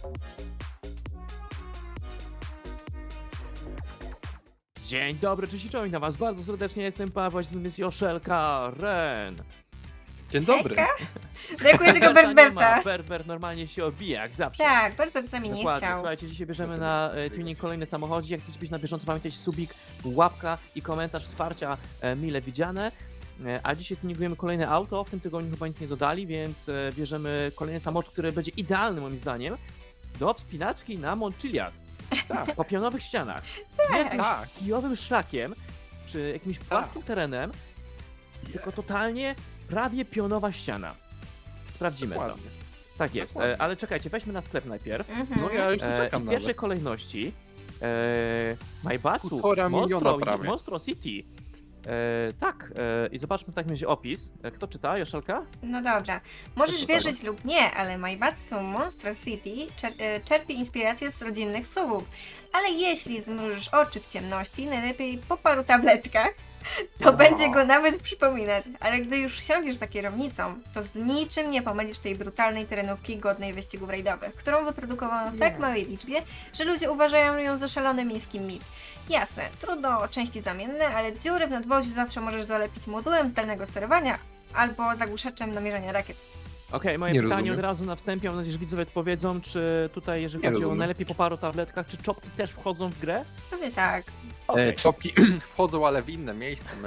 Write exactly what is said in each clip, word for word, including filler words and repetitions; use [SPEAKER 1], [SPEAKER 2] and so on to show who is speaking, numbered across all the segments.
[SPEAKER 1] Dzień dobry, cześć i czołem, witam was bardzo serdecznie, jestem Paweł, z nami jest Joszelka, Ren.
[SPEAKER 2] Dzień dobry.
[SPEAKER 3] Hejka. Brakuje tego
[SPEAKER 1] Berberta nie ma,
[SPEAKER 3] Berberta.
[SPEAKER 1] Berber normalnie się obija, jak zawsze.
[SPEAKER 3] Tak, Berbert z nami nie
[SPEAKER 1] Dokładnie,
[SPEAKER 3] chciał.
[SPEAKER 1] słuchajcie, dzisiaj bierzemy na e, tuning kolejny samochodzik. Jak chcecie być na bieżąco, pamiętajcie subik, łapka i komentarz wsparcia e, mile widziane. E, a dzisiaj tuningujemy kolejne auto, w tym tygodniu chyba nic nie dodali, więc e, bierzemy kolejny samochód, który będzie idealny moim zdaniem do wspinaczki na Montchiliad.
[SPEAKER 2] Tak.
[SPEAKER 1] Po pionowych ścianach. Nie jakimś
[SPEAKER 2] Tak.
[SPEAKER 1] kijowym szlakiem, czy jakimś płaskim terenem, tylko totalnie prawie pionowa ściana. Sprawdzimy to.
[SPEAKER 2] Dokładnie.
[SPEAKER 1] Tak jest,
[SPEAKER 2] Dokładnie.
[SPEAKER 1] e, ale czekajcie, weźmy na sklep najpierw.
[SPEAKER 3] Mhm.
[SPEAKER 2] No ja już tu
[SPEAKER 1] E,
[SPEAKER 2] czekam
[SPEAKER 1] I w
[SPEAKER 2] na
[SPEAKER 1] pierwszej kolejności e, Majbatsu
[SPEAKER 2] Półtora miliona
[SPEAKER 1] Monstro,
[SPEAKER 2] prawie.
[SPEAKER 1] Monstro City. E, tak, e, i zobaczmy w takim razie opis. E, kto czyta? Joszelka?
[SPEAKER 3] No dobra. Możesz
[SPEAKER 1] Proszę
[SPEAKER 3] wierzyć lub nie, ale Maibatsu Monster City czer e, czerpie inspirację z rodzinnych słów. Ale jeśli zmrużysz oczy w ciemności, najlepiej po paru tabletkach, to
[SPEAKER 2] No.
[SPEAKER 3] będzie go nawet przypominać. Ale gdy już siądziesz za kierownicą, to z niczym nie pomylisz tej brutalnej terenówki godnej wyścigów rajdowych, którą wyprodukowano w tak
[SPEAKER 2] Nie.
[SPEAKER 3] małej liczbie, że ludzie uważają ją za szalony miejski mit. Jasne, trudno o części zamienne, ale dziury w nadwoziu zawsze możesz zalepić modułem zdalnego sterowania albo zagłuszaczem namierzania rakiet.
[SPEAKER 1] Okej, moje
[SPEAKER 2] Nie
[SPEAKER 1] pytanie
[SPEAKER 2] rozumiem.
[SPEAKER 1] od razu na wstępie, mam nadzieję, że widzowie powiedzą, czy tutaj, jeżeli
[SPEAKER 2] Nie
[SPEAKER 1] chodzi o
[SPEAKER 2] rozumiem.
[SPEAKER 1] najlepiej po paru tabletkach, czy czopki też wchodzą w grę?
[SPEAKER 3] Pewnie tak.
[SPEAKER 1] Okej.
[SPEAKER 2] E, czopki wchodzą, ale w inne miejsce. No.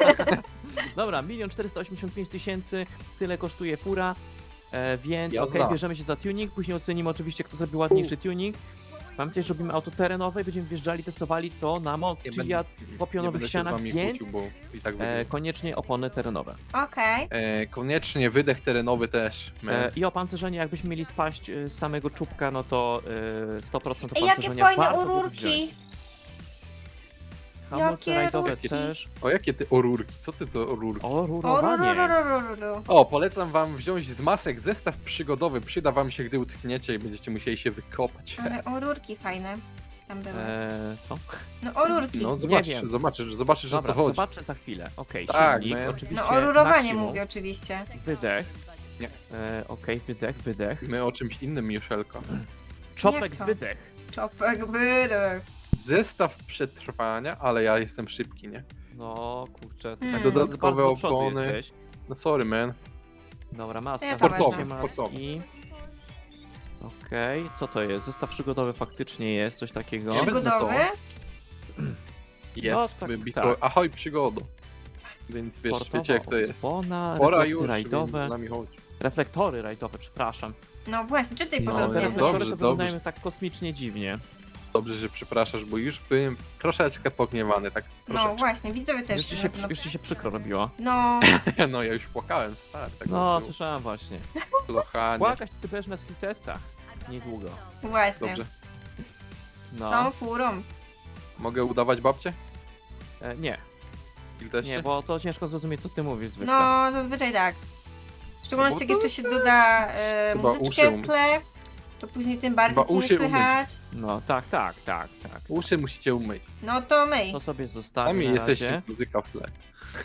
[SPEAKER 1] Dobra, milion czterysta osiemdziesiąt pięć tysięcy, tyle kosztuje fura, e, więc okej,
[SPEAKER 2] Jazda.
[SPEAKER 1] bierzemy się za tuning, później ocenimy oczywiście, kto zrobił ładniejszy tuning. Pamiętajcie, że robimy auto terenowe i będziemy wjeżdżali, testowali to na
[SPEAKER 2] Nie
[SPEAKER 1] Montchiliad po
[SPEAKER 2] nie
[SPEAKER 1] pionowych
[SPEAKER 2] będę się z
[SPEAKER 1] ścianach,
[SPEAKER 2] wami
[SPEAKER 1] więc
[SPEAKER 2] kłócił, bo i tak
[SPEAKER 1] e,
[SPEAKER 2] będzie.
[SPEAKER 1] koniecznie opony terenowe.
[SPEAKER 3] Okej.
[SPEAKER 2] E, koniecznie wydech terenowy też.
[SPEAKER 1] E,
[SPEAKER 2] E,
[SPEAKER 1] I opancerzenie, jakbyśmy mieli spaść e, z samego czubka, no to e, sto procent
[SPEAKER 3] Ej, jakie
[SPEAKER 1] opancerzenia
[SPEAKER 3] fajne
[SPEAKER 1] warto byłoby
[SPEAKER 3] ururki!
[SPEAKER 1] wziąć. Hamulce
[SPEAKER 3] Jakie
[SPEAKER 1] rajdowe
[SPEAKER 3] rurki.
[SPEAKER 1] też.
[SPEAKER 2] o jakie ty orurki? Co ty to orurki?
[SPEAKER 1] O, rurowanie.
[SPEAKER 3] Orururururu.
[SPEAKER 2] O, polecam wam wziąć z masek zestaw przygodowy. Przyda wam się, gdy utkniecie i będziecie musieli się wykopać.
[SPEAKER 3] Ale orurki fajne tam były.
[SPEAKER 1] E, co?
[SPEAKER 3] No orurki.
[SPEAKER 2] No
[SPEAKER 3] No,
[SPEAKER 2] zobaczysz,
[SPEAKER 1] wiem.
[SPEAKER 2] zobaczysz, zobaczysz o
[SPEAKER 1] Dobra,
[SPEAKER 2] co chodzi.
[SPEAKER 1] zobaczę za chwilę. Okej,
[SPEAKER 2] Tak,
[SPEAKER 1] silnik,
[SPEAKER 2] man.
[SPEAKER 1] oczywiście
[SPEAKER 3] orurowanie
[SPEAKER 1] maksimum.
[SPEAKER 3] mówię oczywiście.
[SPEAKER 1] Wydech.
[SPEAKER 2] Nie.
[SPEAKER 1] E, Okej, wydech, wydech.
[SPEAKER 2] My o czymś innym, Joszelko.
[SPEAKER 1] Czopek,
[SPEAKER 3] to?
[SPEAKER 1] wydech.
[SPEAKER 3] Czopek wydech.
[SPEAKER 2] Zestaw przetrwania, ale ja jestem szybki, nie?
[SPEAKER 1] No kurczę, to
[SPEAKER 3] Hmm.
[SPEAKER 1] tak
[SPEAKER 2] Dodatkowe
[SPEAKER 1] bardzo do przodu
[SPEAKER 2] opony.
[SPEAKER 1] jesteś.
[SPEAKER 2] No sorry, man.
[SPEAKER 1] Dobra, maska,
[SPEAKER 3] Ja to
[SPEAKER 1] zobaczcie
[SPEAKER 3] wezmę.
[SPEAKER 1] maski. Okej, co to jest? Zestaw przygodowy faktycznie jest, coś takiego.
[SPEAKER 2] Ja wezmę
[SPEAKER 3] Przygodowy?
[SPEAKER 2] Jest,
[SPEAKER 1] No, tak,
[SPEAKER 2] wybito.
[SPEAKER 1] tak.
[SPEAKER 2] Ahoj, przygodo. Więc wiesz,
[SPEAKER 1] Sportowa
[SPEAKER 2] wiecie jak to jest.
[SPEAKER 1] Opona,
[SPEAKER 2] Pora
[SPEAKER 1] reflekty
[SPEAKER 2] już, więc
[SPEAKER 1] rajdowe.
[SPEAKER 2] z nami chodź.
[SPEAKER 1] Reflektory rajdowe, przepraszam.
[SPEAKER 3] No właśnie, czytaj
[SPEAKER 2] No,
[SPEAKER 1] Te
[SPEAKER 3] porządnie.
[SPEAKER 2] no,
[SPEAKER 1] reflektory
[SPEAKER 2] dobrze,
[SPEAKER 1] to
[SPEAKER 2] dobrze.
[SPEAKER 1] wyglądają tak kosmicznie dziwnie.
[SPEAKER 2] Dobrze, że przepraszasz, bo już byłem troszeczkę pogniewany, tak
[SPEAKER 3] No
[SPEAKER 2] troszeczkę.
[SPEAKER 3] właśnie, widzowie też.
[SPEAKER 1] Już ci, się,
[SPEAKER 3] no,
[SPEAKER 1] przy-
[SPEAKER 3] no,
[SPEAKER 1] już ci się przykro robiło.
[SPEAKER 3] no,
[SPEAKER 2] No ja już płakałem, stary, tak
[SPEAKER 1] No,
[SPEAKER 2] było.
[SPEAKER 1] słyszałem właśnie.
[SPEAKER 2] Kochanie.
[SPEAKER 1] Płakać to ty będziesz na skill testach. Niedługo.
[SPEAKER 3] właśnie.
[SPEAKER 2] Dobrze.
[SPEAKER 3] Tą
[SPEAKER 1] No.
[SPEAKER 3] furą.
[SPEAKER 2] Mogę udawać babcię?
[SPEAKER 1] E, nie,
[SPEAKER 2] Il też
[SPEAKER 1] nie, bo to ciężko zrozumieć, co ty mówisz zwykle.
[SPEAKER 3] No, zazwyczaj tak. W szczególności jak
[SPEAKER 2] No bo
[SPEAKER 3] jeszcze się doda e,
[SPEAKER 2] Chyba
[SPEAKER 3] muzyczkę
[SPEAKER 2] uszy um-
[SPEAKER 3] w tle, to później tym bardziej
[SPEAKER 2] Chyba
[SPEAKER 3] ci nie
[SPEAKER 2] uszy umyć.
[SPEAKER 3] słychać.
[SPEAKER 1] No, tak, tak, tak, tak.
[SPEAKER 2] Uszy musicie umyć.
[SPEAKER 3] No to myj.
[SPEAKER 1] To sobie
[SPEAKER 2] A
[SPEAKER 1] zostawię
[SPEAKER 2] mi
[SPEAKER 1] na
[SPEAKER 2] jesteście
[SPEAKER 1] razie.
[SPEAKER 2] muzyka w tle.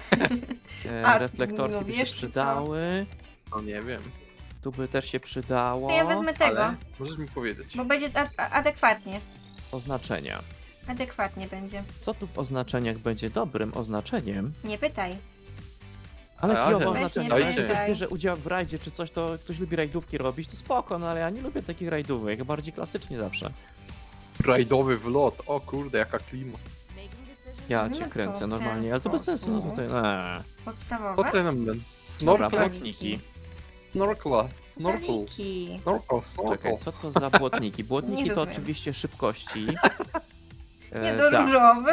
[SPEAKER 1] E,
[SPEAKER 3] A,
[SPEAKER 1] reflektorki
[SPEAKER 3] no
[SPEAKER 1] by się
[SPEAKER 3] wiesz, co?
[SPEAKER 1] przydały.
[SPEAKER 2] No nie wiem,
[SPEAKER 1] Tu by też się przydało.
[SPEAKER 3] To ja wezmę tego,
[SPEAKER 2] ale możesz mi powiedzieć.
[SPEAKER 3] bo będzie a- a- adekwatnie.
[SPEAKER 1] Oznaczenia.
[SPEAKER 3] Adekwatnie będzie.
[SPEAKER 1] Co tu w oznaczeniach będzie dobrym oznaczeniem?
[SPEAKER 3] Nie pytaj.
[SPEAKER 1] Ale
[SPEAKER 2] A,
[SPEAKER 1] kijowe
[SPEAKER 2] ale-
[SPEAKER 1] oznaczenia.
[SPEAKER 2] Dajcie.
[SPEAKER 1] Jeśli ktoś bierze udział w rajdzie czy coś, to ktoś lubi rajdówki robić, to spoko, no ale ja nie lubię takich rajdówek, bardziej klasycznie zawsze.
[SPEAKER 2] Rajdowy wlot, o kurde, jaka klima.
[SPEAKER 1] Ja
[SPEAKER 3] No
[SPEAKER 1] cię
[SPEAKER 3] to
[SPEAKER 1] kręcę
[SPEAKER 3] w ten
[SPEAKER 1] normalnie, ale to bez sensu, no
[SPEAKER 3] sposób.
[SPEAKER 1] tutaj... Eee.
[SPEAKER 3] Podstawowe.
[SPEAKER 2] Potem ten
[SPEAKER 1] Dobra,
[SPEAKER 2] snorkel,
[SPEAKER 1] błotniki.
[SPEAKER 2] snorkla, snorkel,
[SPEAKER 3] Staliki.
[SPEAKER 2] snorkel, snorkel.
[SPEAKER 1] Czekaj, co to za błotniki? Błotniki
[SPEAKER 3] Nie
[SPEAKER 1] to
[SPEAKER 3] rozumiem.
[SPEAKER 1] oczywiście szybkości.
[SPEAKER 3] Nie
[SPEAKER 1] E,
[SPEAKER 3] do
[SPEAKER 1] tak.
[SPEAKER 3] różowy?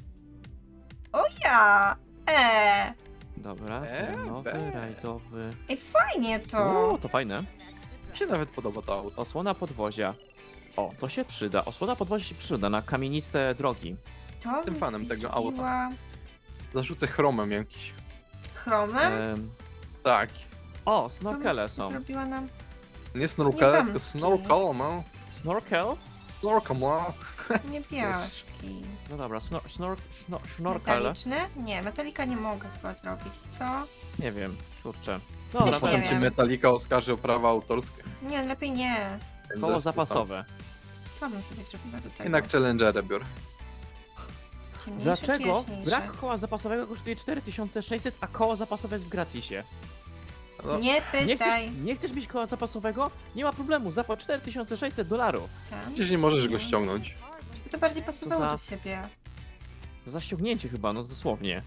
[SPEAKER 3] O ja! E.
[SPEAKER 1] Dobra,
[SPEAKER 2] E,
[SPEAKER 1] terenowy,
[SPEAKER 2] be.
[SPEAKER 1] rajdowy.
[SPEAKER 3] Ej, fajnie to.
[SPEAKER 1] O, to fajne.
[SPEAKER 2] Mi się nawet podoba to auto.
[SPEAKER 1] Osłona podwozia. O, to się przyda. Osłona podwozia się przyda na kamieniste drogi.
[SPEAKER 3] To
[SPEAKER 2] Jestem
[SPEAKER 3] mi
[SPEAKER 2] fanem tego auta.
[SPEAKER 3] zrobiła
[SPEAKER 2] Zarzucę chromem jakiś.
[SPEAKER 3] Chromem?
[SPEAKER 1] Em,
[SPEAKER 2] Tak.
[SPEAKER 1] o,
[SPEAKER 3] To mi
[SPEAKER 1] snorkele są.
[SPEAKER 3] zrobiła nam...
[SPEAKER 2] Nie snorkel,
[SPEAKER 3] Nie
[SPEAKER 2] tylko
[SPEAKER 3] damski.
[SPEAKER 2] snorkel, no.
[SPEAKER 1] Snorkel?
[SPEAKER 2] Snorkel, no.
[SPEAKER 3] Nie piaszki.
[SPEAKER 1] No dobra, snor, snor, snor, snorkel.
[SPEAKER 3] Metaliczny? Nie, metalika nie mogę chyba zrobić, co?
[SPEAKER 1] Nie wiem, kurczę.
[SPEAKER 3] Też
[SPEAKER 1] Dobra,
[SPEAKER 3] nie
[SPEAKER 2] Potem
[SPEAKER 3] wiem.
[SPEAKER 2] cię Metallica oskarży o prawa autorskie.
[SPEAKER 3] Nie, lepiej nie.
[SPEAKER 1] koło
[SPEAKER 2] zespół,
[SPEAKER 1] zapasowe.
[SPEAKER 3] Co bym sobie zrobiła do tego?
[SPEAKER 2] Jednak Challengera biorę.
[SPEAKER 3] Ciemniejsze czy
[SPEAKER 1] Dlaczego
[SPEAKER 3] jaśniejsze?
[SPEAKER 1] brak koła zapasowego kosztuje cztery tysiące sześćset, a koło zapasowe jest w gratisie?
[SPEAKER 2] No,
[SPEAKER 3] Nie
[SPEAKER 1] Nie
[SPEAKER 3] pytaj.
[SPEAKER 1] chcesz, nie chcesz mieć koła zapasowego? Nie ma problemu, zapłać cztery tysiące sześćset dolarów.
[SPEAKER 3] Tam.
[SPEAKER 2] przecież nie możesz go ściągnąć.
[SPEAKER 3] To bardziej pasowało
[SPEAKER 1] za-
[SPEAKER 3] do siebie.
[SPEAKER 1] To za ściągnięcie chyba, no dosłownie.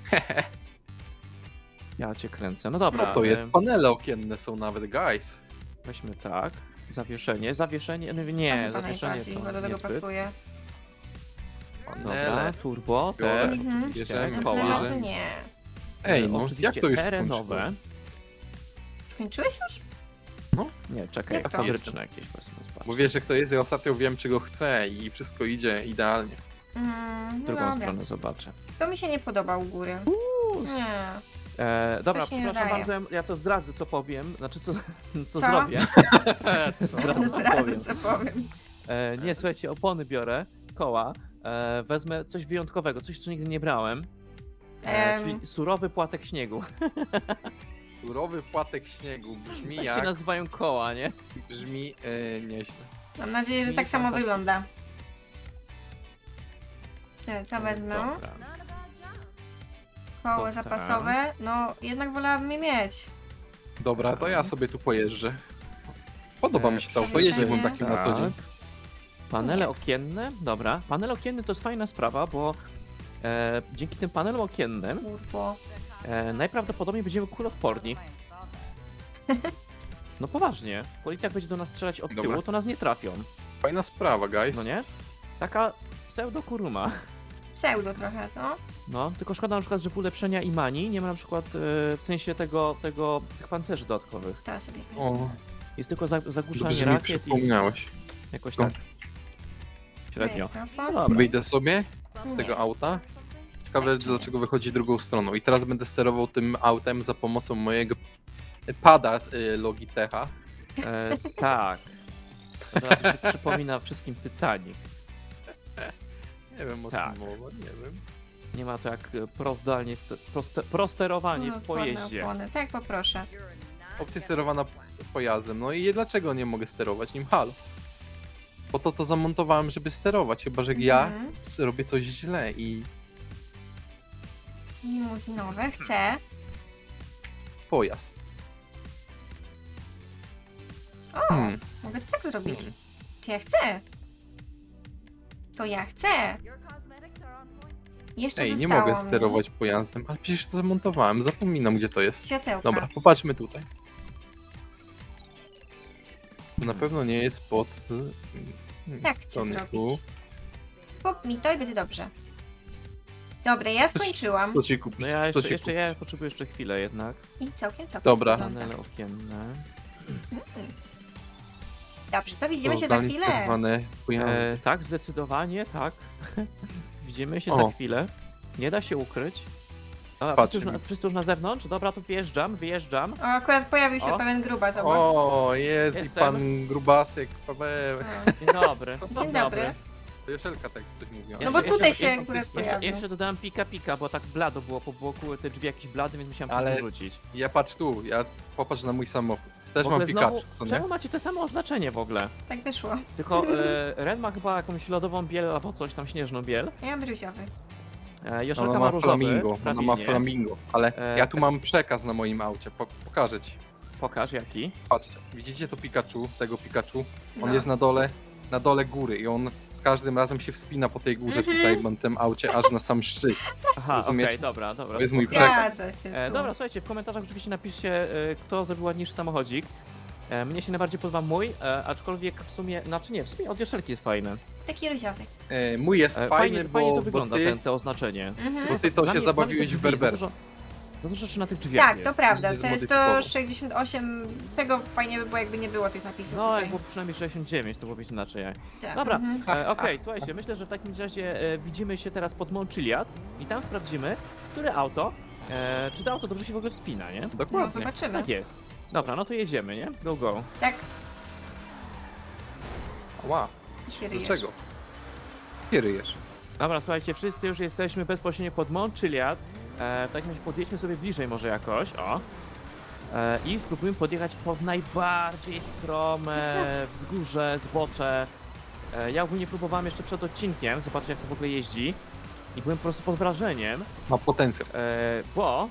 [SPEAKER 1] Ja cię kręcę, no dobra.
[SPEAKER 2] No to jest,
[SPEAKER 1] em,
[SPEAKER 2] panele okienne są nawet, guys.
[SPEAKER 1] Weźmy tak. Zawieszenie, zawieszenie, no nie,
[SPEAKER 3] Chyba
[SPEAKER 1] zawieszenie
[SPEAKER 3] najbardziej,
[SPEAKER 1] to
[SPEAKER 3] bo do tego
[SPEAKER 1] niezbyt.
[SPEAKER 3] pasuje.
[SPEAKER 1] Dobra,
[SPEAKER 2] Panele.
[SPEAKER 1] turbo
[SPEAKER 2] Biorę.
[SPEAKER 1] też,
[SPEAKER 3] Mhm.
[SPEAKER 1] oczywiście,
[SPEAKER 2] Bierzemy,
[SPEAKER 1] koła.
[SPEAKER 3] No to
[SPEAKER 2] bierzemy.
[SPEAKER 3] nie.
[SPEAKER 2] Ej,
[SPEAKER 1] E,
[SPEAKER 2] no,
[SPEAKER 1] oczywiście
[SPEAKER 2] jak to już
[SPEAKER 1] terenowe.
[SPEAKER 2] skończyło?
[SPEAKER 3] Skończyłeś już?
[SPEAKER 1] Nie, czekaj,
[SPEAKER 3] Jak to?
[SPEAKER 1] fabryczne jakieś powiedzmy. zobacz.
[SPEAKER 2] Bo wiesz jak to jest, ja ostatnio wiem czego chcę i wszystko idzie idealnie.
[SPEAKER 3] Mm,
[SPEAKER 1] W
[SPEAKER 3] no
[SPEAKER 1] drugą
[SPEAKER 3] dobra.
[SPEAKER 1] stronę zobaczę.
[SPEAKER 3] To mi się nie podoba u góry.
[SPEAKER 1] Uuu,
[SPEAKER 3] Nie.
[SPEAKER 1] E, dobra,
[SPEAKER 3] To się nie
[SPEAKER 1] przepraszam
[SPEAKER 3] daje.
[SPEAKER 1] bardzo, ja- ja to zdradzę, co powiem. Znaczy, co, co,
[SPEAKER 3] Co?
[SPEAKER 1] zrobię. Zdradzę, co
[SPEAKER 3] Zdradzę,
[SPEAKER 1] powiem.
[SPEAKER 3] co powiem.
[SPEAKER 1] E, nie, słuchajcie, opony biorę, koła. E, wezmę coś wyjątkowego, coś, co nigdy nie brałem. E,
[SPEAKER 3] Em.
[SPEAKER 1] czyli surowy płatek śniegu.
[SPEAKER 2] Surowy płatek śniegu brzmi
[SPEAKER 1] Tak się
[SPEAKER 2] jak...
[SPEAKER 1] nazywają koła, nie?
[SPEAKER 2] Brzmi e, nieźle.
[SPEAKER 3] Mam nadzieję, że
[SPEAKER 1] I
[SPEAKER 3] tak samo
[SPEAKER 1] fantastycznie.
[SPEAKER 3] wygląda. E, To wezmę.
[SPEAKER 1] Dobra.
[SPEAKER 3] Koło
[SPEAKER 1] Dobra.
[SPEAKER 3] zapasowe. No, jednak wolałabym je mieć.
[SPEAKER 2] Dobra, to ja sobie tu pojeżdżę. Podoba
[SPEAKER 1] E,
[SPEAKER 2] mi się to,
[SPEAKER 3] przewieszenie.
[SPEAKER 2] pojeździłbym takim na co dzień.
[SPEAKER 1] Tak. Panele
[SPEAKER 3] Nie.
[SPEAKER 1] okienne, dobra. Panele okienne to jest fajna sprawa, bo e, dzięki tym panelom okiennym
[SPEAKER 3] Kurwo.
[SPEAKER 1] e, najprawdopodobniej będziemy kuloodporni. No poważnie, policja jak będzie do nas strzelać od
[SPEAKER 2] Dobra.
[SPEAKER 1] tyłu, to nas nie trafią,
[SPEAKER 2] Fajna sprawa, guys.
[SPEAKER 1] no nie? Taka pseudo-kuruma.
[SPEAKER 3] Pseudo trochę, to.
[SPEAKER 1] No, tylko szkoda na przykład, że w ulepszenia i mani nie ma na przykład e, w sensie tego, tego, tych pancerzy dodatkowych.
[SPEAKER 3] To sobie wezmę.
[SPEAKER 2] O,
[SPEAKER 1] Jest tylko za,
[SPEAKER 2] dobrze,
[SPEAKER 1] zagłuszanie
[SPEAKER 2] że mi
[SPEAKER 1] rakiet i
[SPEAKER 2] przypomniałeś.
[SPEAKER 1] jakoś
[SPEAKER 2] No.
[SPEAKER 1] tak. Średnio.
[SPEAKER 3] Mikrofon.
[SPEAKER 1] No dobra.
[SPEAKER 2] Wyjdę sobie z
[SPEAKER 3] Nie.
[SPEAKER 2] tego auta. Ciekawe dlaczego wychodzi drugą stroną. I teraz będę sterował tym autem za pomocą mojego pada z y, Logitecha.
[SPEAKER 1] E, tak. Od razu się przypomina wszystkim Titanic.
[SPEAKER 2] Nie wiem o
[SPEAKER 1] Tak.
[SPEAKER 2] czym mowa, nie wiem.
[SPEAKER 1] Nie ma to jak e, prozdalnie, st- proste, prosterowanie w
[SPEAKER 3] Odporne
[SPEAKER 1] pojeździe.
[SPEAKER 3] opony. Tak, poproszę.
[SPEAKER 2] Opcja sterowana pojazdem. No i dlaczego nie mogę sterować nim? Halo. Po to to zamontowałem, żeby sterować. Chyba, że ja
[SPEAKER 3] Mhm.
[SPEAKER 2] robię coś źle i
[SPEAKER 3] Limuzynowe. Chcę.
[SPEAKER 2] pojazd.
[SPEAKER 3] O,
[SPEAKER 2] Hmm.
[SPEAKER 3] mogę to tak zrobić. Czy ja chcę? To ja chcę. Jeszcze
[SPEAKER 2] Ej, nie
[SPEAKER 3] zostało
[SPEAKER 2] mogę
[SPEAKER 3] mi
[SPEAKER 2] sterować pojazdem, ale przecież to zamontowałem. Zapominam, gdzie to jest.
[SPEAKER 3] Światełka.
[SPEAKER 2] Dobra, popatrzmy tutaj. To na pewno nie jest pod... hmm,
[SPEAKER 3] Tak chcę
[SPEAKER 2] to nie
[SPEAKER 3] zrobić.
[SPEAKER 2] tu.
[SPEAKER 3] Kup mi to i będzie dobrze. Dobra, ja skończyłam.
[SPEAKER 2] Co ci kupić?
[SPEAKER 1] No ja
[SPEAKER 2] Co
[SPEAKER 1] jeszcze,
[SPEAKER 2] ci
[SPEAKER 1] jeszcze, ja potrzebuję jeszcze chwilę jednak.
[SPEAKER 3] I całkiem, całkiem
[SPEAKER 2] Dobra.
[SPEAKER 3] wygląda.
[SPEAKER 1] Panele okienne.
[SPEAKER 3] Dobrze, to widzimy
[SPEAKER 2] To
[SPEAKER 3] się za
[SPEAKER 2] zdalnie
[SPEAKER 3] chwilę.
[SPEAKER 2] sterowane pojazdy.
[SPEAKER 1] E, tak, zdecydowanie, tak. Widzimy się
[SPEAKER 2] O.
[SPEAKER 1] za chwilę. Nie da się ukryć. Dobra,
[SPEAKER 2] Patrz
[SPEAKER 1] wszyscy już, na,
[SPEAKER 2] mi.
[SPEAKER 1] wszyscy już na zewnątrz? Dobra, to wyjeżdżam, wyjeżdżam.
[SPEAKER 3] O, akurat pojawił się
[SPEAKER 1] O.
[SPEAKER 3] pewien gruba, zobacz.
[SPEAKER 2] O, jest i
[SPEAKER 1] Jestem.
[SPEAKER 2] pan Grubasek, Paweł.
[SPEAKER 3] O.
[SPEAKER 1] Dzień dobry.
[SPEAKER 3] Dzień dobry.
[SPEAKER 2] To Joszelka tak coś mówiła.
[SPEAKER 3] No bo
[SPEAKER 1] Jeszcze-
[SPEAKER 3] tutaj
[SPEAKER 1] jeszcze-
[SPEAKER 3] się
[SPEAKER 1] jeszcze-
[SPEAKER 3] akurat
[SPEAKER 1] Jeszcze,
[SPEAKER 3] pojawił.
[SPEAKER 1] jeszcze dodałem pika pika, bo tak blado było po boku, te drzwi jakieś blady, więc musiałem
[SPEAKER 2] Ale-
[SPEAKER 1] to wyrzucić.
[SPEAKER 2] Ja patrz tu, ja popatrz na mój samochód. Też
[SPEAKER 1] W ogóle
[SPEAKER 2] mam Pikachu,
[SPEAKER 1] znowu,
[SPEAKER 2] co nie?
[SPEAKER 1] czemu macie te same oznaczenie w ogóle?
[SPEAKER 3] Tak wyszło.
[SPEAKER 1] Tylko e, Ren ma chyba jakąś lodową biel albo coś tam, śnieżną biel.
[SPEAKER 3] Ja mam druziowy.
[SPEAKER 1] E, Joszelka
[SPEAKER 2] Ona
[SPEAKER 1] ma
[SPEAKER 2] ma
[SPEAKER 1] różowy,
[SPEAKER 2] flamingo, ona ma
[SPEAKER 1] prawinie.
[SPEAKER 2] flamingo. Ale
[SPEAKER 1] E,
[SPEAKER 2] ja tu mam przekaz na moim aucie, po, pokażę ci.
[SPEAKER 1] Pokaż jaki.
[SPEAKER 2] Patrzcie, widzicie to Pikachu, tego Pikachu? On
[SPEAKER 3] No.
[SPEAKER 2] jest na dole, na dole góry i on z każdym razem się wspina po tej górze
[SPEAKER 3] Mhm.
[SPEAKER 2] tutaj, mam tym aucie, aż na sam szczyt.
[SPEAKER 1] Aha, okej,
[SPEAKER 2] Rozumiecie?
[SPEAKER 1] dobra, dobra.
[SPEAKER 2] To jest mój
[SPEAKER 1] spoko.
[SPEAKER 2] przekaz.
[SPEAKER 3] Zgadza się
[SPEAKER 1] E,
[SPEAKER 3] tu.
[SPEAKER 1] dobra, słuchajcie, w komentarzach oczywiście napiszcie, e, kto zrobił ładniejszy samochodzik. E, mnie się najbardziej podoba mój, e, aczkolwiek w sumie, znaczy nie, w sumie od Joszelki jest fajny.
[SPEAKER 3] Taki różowy.
[SPEAKER 2] E, mój jest
[SPEAKER 1] E,
[SPEAKER 2] fajny,
[SPEAKER 1] fajnie,
[SPEAKER 2] bo,
[SPEAKER 1] fajnie to
[SPEAKER 2] bo
[SPEAKER 1] wygląda,
[SPEAKER 2] ty,
[SPEAKER 1] ten, te oznaczenie.
[SPEAKER 3] Mhm.
[SPEAKER 2] bo ty to
[SPEAKER 1] Dla
[SPEAKER 2] się
[SPEAKER 1] mnie- dla mnie
[SPEAKER 2] zabawiłeś
[SPEAKER 1] te
[SPEAKER 2] w
[SPEAKER 1] drzwi, za
[SPEAKER 2] Berber.
[SPEAKER 1] dużo- Za dużo rzeczy na tych drzwiach
[SPEAKER 3] Tak,
[SPEAKER 1] jest.
[SPEAKER 3] to prawda.
[SPEAKER 2] Będzie
[SPEAKER 3] To jest
[SPEAKER 2] zmodyfikował.
[SPEAKER 3] to sześćdziesiąt osiem. Tego fajnie by było, jakby nie było tych napisów
[SPEAKER 1] No, jak
[SPEAKER 3] tutaj.
[SPEAKER 1] było przynajmniej sześćdziesiąt dziewięć, to byłoby inaczej.
[SPEAKER 3] Tak.
[SPEAKER 1] Dobra,
[SPEAKER 3] Mhm.
[SPEAKER 1] e, okej, słuchajcie, myślę, że w takim razie e, widzimy się teraz pod Mont Chiliad i tam sprawdzimy, które auto, e, czy to auto dobrze się w ogóle wspina, nie?
[SPEAKER 3] No
[SPEAKER 2] Dokładnie.
[SPEAKER 3] zobaczymy.
[SPEAKER 1] Tak jest. Dobra, no to jedziemy, nie? Go, go.
[SPEAKER 3] Tak,
[SPEAKER 2] Ła,
[SPEAKER 3] i się ryjesz.
[SPEAKER 2] dlaczego? Nie ryjesz.
[SPEAKER 1] Dobra, słuchajcie, wszyscy już jesteśmy bezpośrednio pod Mont Chiliad. E, w takim razie podjedźmy sobie bliżej może jakoś, o. E, I spróbujmy podjechać pod najbardziej strome wzgórze, zbocze. E, ja ogólnie próbowałem jeszcze przed odcinkiem, zobaczyć jak to w ogóle jeździ. I byłem po prostu pod wrażeniem,
[SPEAKER 2] Ma potencjał.
[SPEAKER 1] e, bo...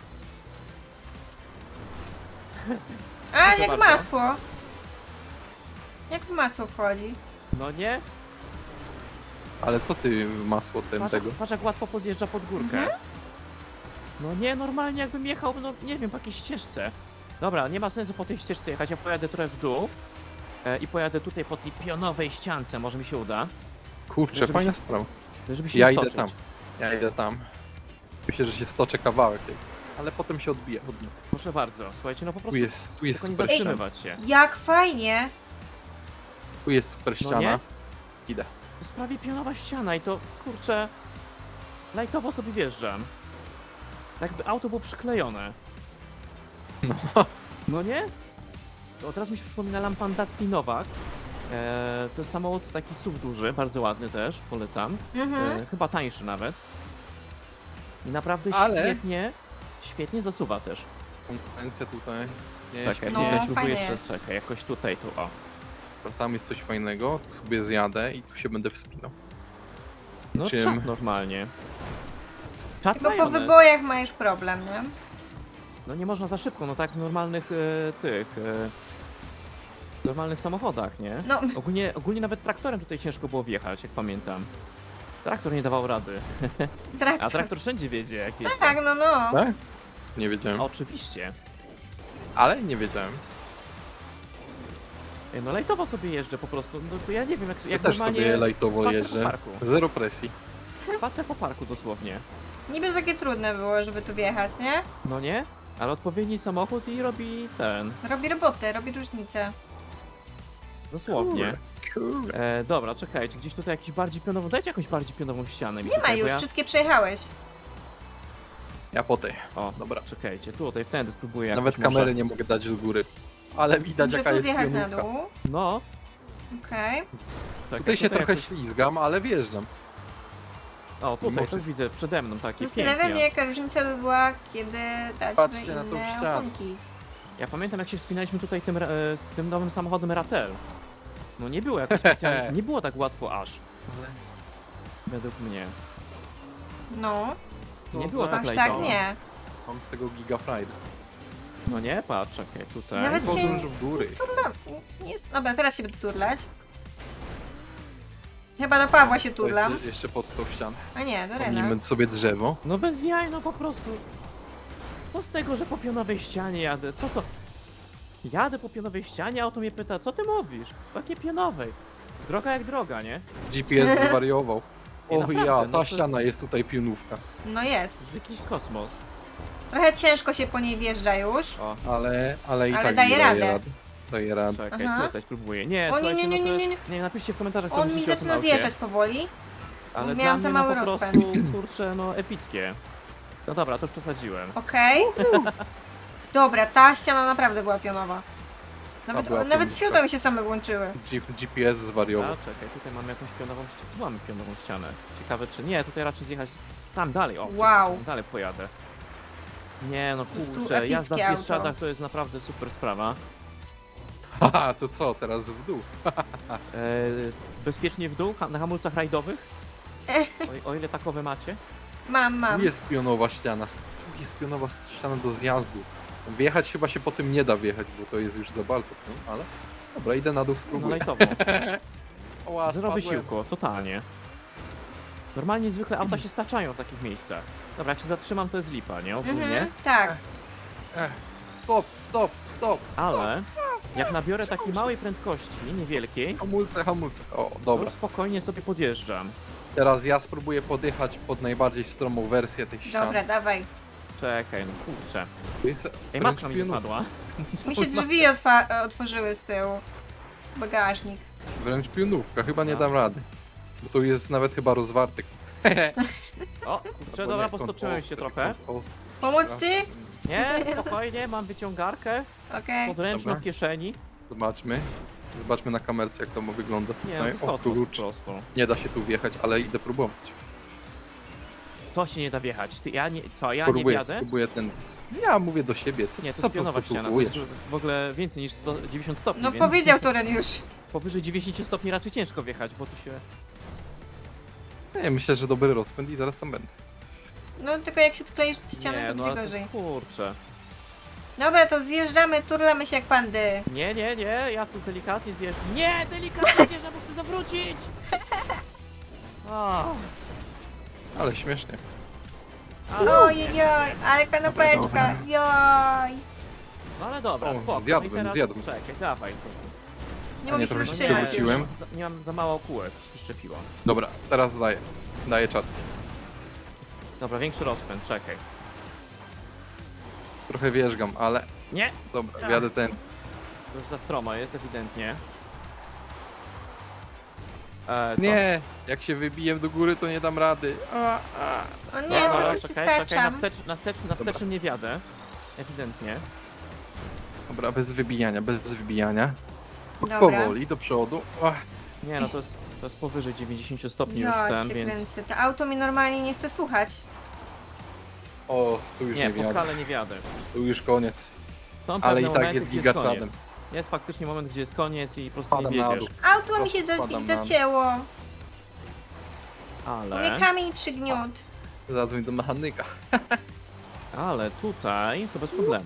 [SPEAKER 3] A,
[SPEAKER 1] Proszę
[SPEAKER 3] jak
[SPEAKER 1] bardzo.
[SPEAKER 3] masło. Jak w masło wchodzi.
[SPEAKER 1] No nie?
[SPEAKER 2] Ale co ty masło ten
[SPEAKER 1] Patrz,
[SPEAKER 2] tego?
[SPEAKER 1] patrz jak łatwo podjeżdża pod górkę.
[SPEAKER 3] Mhm.
[SPEAKER 1] No nie, normalnie jakbym jechał, no nie wiem, po jakiejś ścieżce. Dobra, nie ma sensu po tej ścieżce jechać, ja pojadę trochę w dół. E, I pojadę tutaj po tej pionowej ściance, może mi się uda.
[SPEAKER 2] Kurczę,
[SPEAKER 1] Żeby
[SPEAKER 2] fajna
[SPEAKER 1] się-
[SPEAKER 2] sprawa.
[SPEAKER 1] Żeby się
[SPEAKER 2] Ja
[SPEAKER 1] nie
[SPEAKER 2] idę
[SPEAKER 1] stoczyć.
[SPEAKER 2] tam. Ja idę tam. Myślę, że się stoczę kawałek. Ale potem się odbija od nich.
[SPEAKER 1] Proszę bardzo, słuchajcie, no po
[SPEAKER 2] Tu
[SPEAKER 1] prostu
[SPEAKER 2] jest, tu jest
[SPEAKER 1] tylko nie
[SPEAKER 2] super ściana.
[SPEAKER 1] zatrzymywać się.
[SPEAKER 3] Jak fajnie.
[SPEAKER 2] Tu jest super
[SPEAKER 1] No
[SPEAKER 2] ściana.
[SPEAKER 1] nie?
[SPEAKER 2] Idę.
[SPEAKER 1] To jest prawie pionowa ściana i to, kurczę, lajtowo sobie wjeżdżam. Tak jakby auto było przyklejone.
[SPEAKER 2] No.
[SPEAKER 1] No nie? To od razu mi się przypomina Lampandatti Nowak. Eee, to jest samochód taki S U V duży, bardzo ładny też, polecam.
[SPEAKER 3] Mhm.
[SPEAKER 1] Eee, chyba tańszy nawet. I naprawdę
[SPEAKER 2] Ale-
[SPEAKER 1] świetnie, świetnie zasuwa też.
[SPEAKER 2] Konkurencja tutaj. Nie,
[SPEAKER 1] Czekaj,
[SPEAKER 3] No,
[SPEAKER 1] tutaj
[SPEAKER 2] nie.
[SPEAKER 1] spróbuję
[SPEAKER 3] fajnie
[SPEAKER 1] jeszcze,
[SPEAKER 3] jest.
[SPEAKER 1] czekaj, jakoś tutaj, tu, o.
[SPEAKER 2] Tam jest coś fajnego. Tu sobie zjadę i tu się będę wspinał.
[SPEAKER 1] No
[SPEAKER 2] Czym?
[SPEAKER 1] czat normalnie. Czat
[SPEAKER 3] Tylko po
[SPEAKER 1] majonez.
[SPEAKER 3] wybojach ma już problem, nie?
[SPEAKER 1] No nie można za szybko, no tak w normalnych e, tych... E, w normalnych samochodach, nie?
[SPEAKER 3] No,
[SPEAKER 1] Ogólnie, ogólnie nawet traktorem tutaj ciężko było wjechać, jak pamiętam. Traktor nie dawał rady. A
[SPEAKER 3] traktor.
[SPEAKER 1] traktor wszędzie wiedzie, jak jest.
[SPEAKER 3] Tak, no, no.
[SPEAKER 2] Tak? Nie wiedziałem.
[SPEAKER 1] Oczywiście.
[SPEAKER 2] Ale nie wiedziałem.
[SPEAKER 1] Ej, no lajtowo sobie jeżdżę po prostu. No to ja nie wiem, jak,
[SPEAKER 2] Ja
[SPEAKER 1] jak
[SPEAKER 2] też
[SPEAKER 1] normalnie
[SPEAKER 2] sobie lajtowo
[SPEAKER 1] spacer
[SPEAKER 2] jeżdżę.
[SPEAKER 1] po parku.
[SPEAKER 2] Zero presji.
[SPEAKER 1] Spacer po parku dosłownie.
[SPEAKER 3] Niby takie trudne było, żeby tu wjechać, nie?
[SPEAKER 1] No nie? Ale odpowiedni samochód i robi ten.
[SPEAKER 3] Robi robotę, robi różnicę.
[SPEAKER 1] Dosłownie.
[SPEAKER 2] Kurde.
[SPEAKER 1] E, dobra, czekajcie, gdzieś tutaj jakiś bardziej pionową. Dajcie jakąś bardziej pionową ścianę. mi
[SPEAKER 3] Nie ma
[SPEAKER 1] tutaj, bo
[SPEAKER 3] już,
[SPEAKER 1] Ja...
[SPEAKER 3] wszystkie przejechałeś.
[SPEAKER 2] Ja po tej.
[SPEAKER 1] O,
[SPEAKER 2] Dobra.
[SPEAKER 1] czekajcie, tutaj, wtedy spróbuję
[SPEAKER 2] Nawet
[SPEAKER 1] jakoś może-
[SPEAKER 2] kamery nie mogę dać do góry. Ale widać
[SPEAKER 3] Muszę
[SPEAKER 2] jaka
[SPEAKER 3] tu
[SPEAKER 2] jest
[SPEAKER 3] zjechać na
[SPEAKER 2] pionówka.
[SPEAKER 3] dół.
[SPEAKER 1] No,
[SPEAKER 3] Okej.
[SPEAKER 1] czekaj,
[SPEAKER 2] Tutaj się trochę
[SPEAKER 1] jakoś...
[SPEAKER 2] ślizgam, ale wjeżdżam.
[SPEAKER 1] O, tutaj,
[SPEAKER 2] mimo
[SPEAKER 1] to widzę przede mną takie
[SPEAKER 3] Zastanawia
[SPEAKER 1] pięknie.
[SPEAKER 3] mnie, jaka różnica by była, kiedy dać
[SPEAKER 2] Patrzcie
[SPEAKER 3] by
[SPEAKER 2] na tą
[SPEAKER 3] inne
[SPEAKER 2] ścianę.
[SPEAKER 3] oponki.
[SPEAKER 1] Ja pamiętam jak się wspinaliśmy tutaj tym, ra- e, tym nowym samochodem Ratel. No nie było jakoś specjalnie, nie było tak łatwo aż,
[SPEAKER 2] Ale
[SPEAKER 1] według mnie.
[SPEAKER 3] No,
[SPEAKER 2] co
[SPEAKER 1] Nie było
[SPEAKER 2] za-
[SPEAKER 1] tak
[SPEAKER 3] aż
[SPEAKER 1] lajtowo.
[SPEAKER 3] tak nie.
[SPEAKER 2] Mam z tego giga pride.
[SPEAKER 1] No nie, patrz, czekaj, tutaj.
[SPEAKER 3] Nawet się-
[SPEAKER 2] Podróż w góry.
[SPEAKER 3] Turlam. Nie jest... Dobra, teraz się będę turlać. Chyba do Pawła się
[SPEAKER 2] To
[SPEAKER 3] turlam.
[SPEAKER 2] Jeszcze, jeszcze pod tą ścianę.
[SPEAKER 3] A nie, do Rena.
[SPEAKER 2] Pomnijmy sobie drzewo.
[SPEAKER 1] No bez jaj, no po prostu. Co z tego, że po pionowej ścianie jadę? Co to? Jadę po pionowej ścianie, a auto mnie pyta, co ty mówisz? Jakie pionowej? Droga jak droga, nie?
[SPEAKER 2] G P S zwariował.
[SPEAKER 1] Nie,
[SPEAKER 2] O
[SPEAKER 1] naprawdę,
[SPEAKER 2] ja,
[SPEAKER 1] no
[SPEAKER 2] ta
[SPEAKER 1] to jest-
[SPEAKER 2] ściana jest tutaj pionówka.
[SPEAKER 3] No
[SPEAKER 1] To
[SPEAKER 3] jest.
[SPEAKER 1] jest jakiś kosmos.
[SPEAKER 3] Trochę ciężko się po niej wjeżdża już.
[SPEAKER 1] O,
[SPEAKER 2] Ale, ale i
[SPEAKER 3] Ale
[SPEAKER 2] tak
[SPEAKER 3] daje
[SPEAKER 2] daje
[SPEAKER 3] radę.
[SPEAKER 2] radę. Daje radę.
[SPEAKER 1] czekaj,
[SPEAKER 3] Aha.
[SPEAKER 1] tutaj spróbuję. Nie,
[SPEAKER 3] O nie,
[SPEAKER 1] słuchajcie,
[SPEAKER 3] nie, nie,
[SPEAKER 1] no to
[SPEAKER 3] nie,
[SPEAKER 1] jest-
[SPEAKER 3] nie.
[SPEAKER 1] Nie, napiszcie w komentarzach, co
[SPEAKER 3] On
[SPEAKER 1] myślicie
[SPEAKER 3] mi
[SPEAKER 1] o tym
[SPEAKER 3] zaczyna
[SPEAKER 1] aucie.
[SPEAKER 3] zjeżdżać powoli.
[SPEAKER 1] Ale
[SPEAKER 3] Miałam
[SPEAKER 1] dla
[SPEAKER 3] za
[SPEAKER 1] mnie,
[SPEAKER 3] mały
[SPEAKER 1] no, po
[SPEAKER 3] rozpęd.
[SPEAKER 1] prostu, kurczę, no epickie. No dobra, to już przesadziłem.
[SPEAKER 3] Okej. Dobra, ta ściana naprawdę była pionowa. Nawet,
[SPEAKER 2] była
[SPEAKER 3] nawet
[SPEAKER 2] pionówka.
[SPEAKER 3] światła mi się same włączyły.
[SPEAKER 2] G G P S
[SPEAKER 1] A,
[SPEAKER 2] zwariował.
[SPEAKER 1] czekaj, tutaj mamy jakąś pionową ścianę. Tu mamy pionową ścianę. Ciekawe czy nie, tutaj raczej zjechać tam dalej. O,
[SPEAKER 3] Wow.
[SPEAKER 1] czekaj, dalej pojadę. Nie no
[SPEAKER 3] prostu
[SPEAKER 1] kurczę, jazda w
[SPEAKER 3] epickie
[SPEAKER 1] Bieszczadach
[SPEAKER 3] auto.
[SPEAKER 1] to jest naprawdę super sprawa.
[SPEAKER 2] Haha, to co, teraz w dół?
[SPEAKER 1] E, bezpiecznie w dół, ha- na hamulcach rajdowych. O, o ile takowe macie.
[SPEAKER 3] Mam,
[SPEAKER 2] Tu
[SPEAKER 3] mam.
[SPEAKER 2] jest pionowa ściana. Tu jest pionowa ściana do zjazdu. Wjechać chyba się po tym nie da wjechać, bo to jest już za bardzo, no, ale... Dobra, idę na dół,
[SPEAKER 1] No
[SPEAKER 2] spróbuję.
[SPEAKER 1] lajtowo.
[SPEAKER 2] Oła,
[SPEAKER 1] Zero
[SPEAKER 2] spadłem.
[SPEAKER 1] wysiłku, totalnie. Normalnie zwykle auta się staczają w takich miejscach. Dobra, jak się zatrzymam to jest lipa, nie? Ogólnie.
[SPEAKER 3] Mhm, tak.
[SPEAKER 2] Ech, stop, stop, stop.
[SPEAKER 1] Ale jak nabiorę takiej małej prędkości, niewielkiej,
[SPEAKER 2] Hamulce, hamulce. O,
[SPEAKER 1] to
[SPEAKER 2] dobra.
[SPEAKER 1] już spokojnie sobie podjeżdżam.
[SPEAKER 2] Teraz ja spróbuję podjechać pod najbardziej stromą wersję tej ściany.
[SPEAKER 3] Dobra, dawaj.
[SPEAKER 1] Czekaj, no kurczę.
[SPEAKER 2] To jest
[SPEAKER 1] Ej,
[SPEAKER 2] wręcz
[SPEAKER 1] maska mi
[SPEAKER 2] pionówka.
[SPEAKER 1] wypadła.
[SPEAKER 3] Mi się drzwi otwa- otworzyły z tyłu. Bagażnik.
[SPEAKER 2] Wręcz pionówka, chyba nie
[SPEAKER 1] A.
[SPEAKER 2] dam rady. Bo to jest nawet chyba rozwarty.
[SPEAKER 1] O, kurczę, dobra, postoczyłem się trochę.
[SPEAKER 3] Pomóc ci?
[SPEAKER 1] Nie, spokojnie, mam wyciągarkę
[SPEAKER 3] Okej.
[SPEAKER 1] podręczną
[SPEAKER 2] Dobra.
[SPEAKER 1] w kieszeni.
[SPEAKER 2] Zobaczmy. Zobaczmy na kamerce, jak to ma wyglądać
[SPEAKER 1] Nie, to
[SPEAKER 2] tutaj.
[SPEAKER 1] jest
[SPEAKER 2] O
[SPEAKER 1] kosmos po
[SPEAKER 2] kurcz.
[SPEAKER 1] prostu.
[SPEAKER 2] Nie da się tu wjechać, ale idę próbować.
[SPEAKER 1] To się nie da wjechać. Ty, ja nie, co, ja nie
[SPEAKER 2] Próbuję,
[SPEAKER 1] wjadę?
[SPEAKER 2] próbuję ten. Ja mówię do siebie, co,
[SPEAKER 1] Nie, to
[SPEAKER 2] co
[SPEAKER 1] jest pionowa ściana, to
[SPEAKER 2] podsłuchujesz?
[SPEAKER 1] jest w ogóle więcej niż sto, dziewięćdziesiąt stopni,
[SPEAKER 3] No
[SPEAKER 1] więc
[SPEAKER 3] powiedział Turen już.
[SPEAKER 1] powyżej dziewięćdziesiąt stopni raczej ciężko wjechać, bo tu się...
[SPEAKER 2] Nie, myślę, że dobry rozpęd i zaraz tam będę.
[SPEAKER 3] No tylko jak się odkleisz od ściany,
[SPEAKER 1] nie,
[SPEAKER 3] to
[SPEAKER 1] no
[SPEAKER 3] będzie
[SPEAKER 1] ale
[SPEAKER 3] gorzej.
[SPEAKER 1] to, kurczę.
[SPEAKER 3] Dobra, to zjeżdżamy, turlamy się jak pandy.
[SPEAKER 1] Nie, nie, nie, ja tu delikatnie zjeżdżam. Nie, delikatnie zjeżdżam, bo chcę zawrócić! O,
[SPEAKER 2] Ale śmiesznie.
[SPEAKER 1] ale,
[SPEAKER 3] Ojej, ale kanapeczka, joj.
[SPEAKER 1] no ale dobra,
[SPEAKER 2] O,
[SPEAKER 1] spoko.
[SPEAKER 2] zjadłem,
[SPEAKER 1] no i teraz,
[SPEAKER 2] zjadłem.
[SPEAKER 1] Czekaj, dawaj.
[SPEAKER 3] Nie
[SPEAKER 2] A
[SPEAKER 3] mogę
[SPEAKER 2] nie,
[SPEAKER 3] się
[SPEAKER 2] trochę się
[SPEAKER 3] zatrzymać już.
[SPEAKER 2] przewróciłem.
[SPEAKER 1] Za, nie mam za mało kółek, przyczepiło.
[SPEAKER 2] Dobra, teraz daję. Daję czat.
[SPEAKER 1] Dobra, większy rozpęd, czekaj.
[SPEAKER 2] Trochę wierzgam, ale
[SPEAKER 1] Nie,
[SPEAKER 2] dobra, wjadę ten.
[SPEAKER 1] to już za stromo jest ewidentnie. E, co?
[SPEAKER 2] Nie, jak się wybiję do góry, to nie dam rady. A, a.
[SPEAKER 3] O nie,
[SPEAKER 1] Dobra,
[SPEAKER 3] to
[SPEAKER 1] czekaj,
[SPEAKER 3] ci się
[SPEAKER 1] czekaj, na,
[SPEAKER 3] starczam.
[SPEAKER 1] wstecz, na, wstecz, na
[SPEAKER 2] Dobra.
[SPEAKER 1] wstecznym nie wiadę. Ewidentnie.
[SPEAKER 2] Dobra, bez wybijania, bez wybijania.
[SPEAKER 3] Dobra.
[SPEAKER 2] Powoli do przodu. Ach,
[SPEAKER 1] Nie no, to jest, to jest powyżej dziewięćdziesiąt stopni już
[SPEAKER 3] Ja
[SPEAKER 1] ten,
[SPEAKER 3] cię
[SPEAKER 1] więc...
[SPEAKER 3] kręcę. To auto mi normalnie nie chce słuchać.
[SPEAKER 2] o, tu już nie,
[SPEAKER 1] Nie, po
[SPEAKER 2] wjadę.
[SPEAKER 1] skale nie wiadę.
[SPEAKER 2] Tu już koniec.
[SPEAKER 1] Są
[SPEAKER 2] Ale
[SPEAKER 1] pewne
[SPEAKER 2] i tak
[SPEAKER 1] momenty,
[SPEAKER 2] jest
[SPEAKER 1] gdzie
[SPEAKER 2] gigaczadem.
[SPEAKER 1] koniec. Jest faktycznie moment, gdzie jest koniec i po prostu nie
[SPEAKER 2] Spadam na
[SPEAKER 1] wiedziesz.
[SPEAKER 2] dół.
[SPEAKER 3] Auto mi się za
[SPEAKER 2] Spadam na-
[SPEAKER 3] zacięło.
[SPEAKER 1] Ale,
[SPEAKER 3] Mnie kamień przygniótł.
[SPEAKER 2] Zadzwoń do mechanika.
[SPEAKER 1] ale tutaj to bez problemu.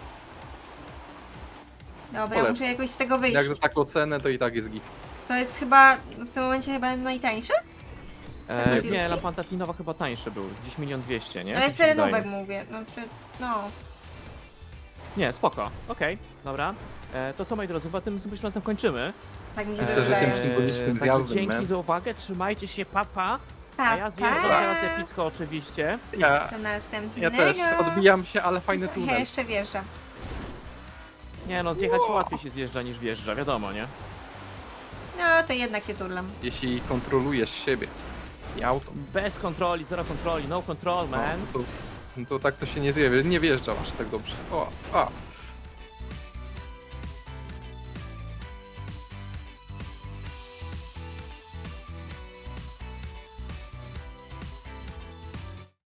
[SPEAKER 3] Dobra,
[SPEAKER 2] Polecam.
[SPEAKER 3] muszę jakoś z tego wyjść.
[SPEAKER 2] Jak za taką cenę, to i tak jest git.
[SPEAKER 3] To jest chyba w tym momencie chyba najtańsze?
[SPEAKER 1] E,
[SPEAKER 3] D L C?
[SPEAKER 1] nie, lampa Tinowa chyba tańszy był, gdzieś milion dwieście, nie?
[SPEAKER 3] Ale
[SPEAKER 1] Tak mi się
[SPEAKER 3] terenówek
[SPEAKER 1] wydaje.
[SPEAKER 3] mówię. No, czy, no.
[SPEAKER 1] Nie, spoko, okej, dobra. E, to co, moi drodzy, chyba tym symbolicznym razem kończymy.
[SPEAKER 3] Tak mi się
[SPEAKER 2] Myślę, że
[SPEAKER 3] wydaje.
[SPEAKER 2] tym symbolicznym
[SPEAKER 1] także
[SPEAKER 2] zjazdem,
[SPEAKER 1] dzięki
[SPEAKER 2] man.
[SPEAKER 1] za uwagę, trzymajcie się, papa.
[SPEAKER 3] Pa,
[SPEAKER 1] A ja zjeżdżam
[SPEAKER 3] pa.
[SPEAKER 1] teraz epicko oczywiście.
[SPEAKER 2] Ja,
[SPEAKER 3] Do następnego.
[SPEAKER 2] ja też odbijam się, ale fajny
[SPEAKER 3] Ja
[SPEAKER 2] tunel.
[SPEAKER 3] jeszcze wjeżdżam.
[SPEAKER 1] Nie no, zjechać łatwiej się zjeżdża niż wjeżdża, wiadomo, nie?
[SPEAKER 3] No, to jednak się turlam.
[SPEAKER 2] Jeśli kontrolujesz siebie i auto,
[SPEAKER 1] Bez kontroli, zero kontroli, no control,
[SPEAKER 2] no,
[SPEAKER 1] man.
[SPEAKER 2] to, no to tak to się nie zje, nie wjeżdża aż tak dobrze. O, a,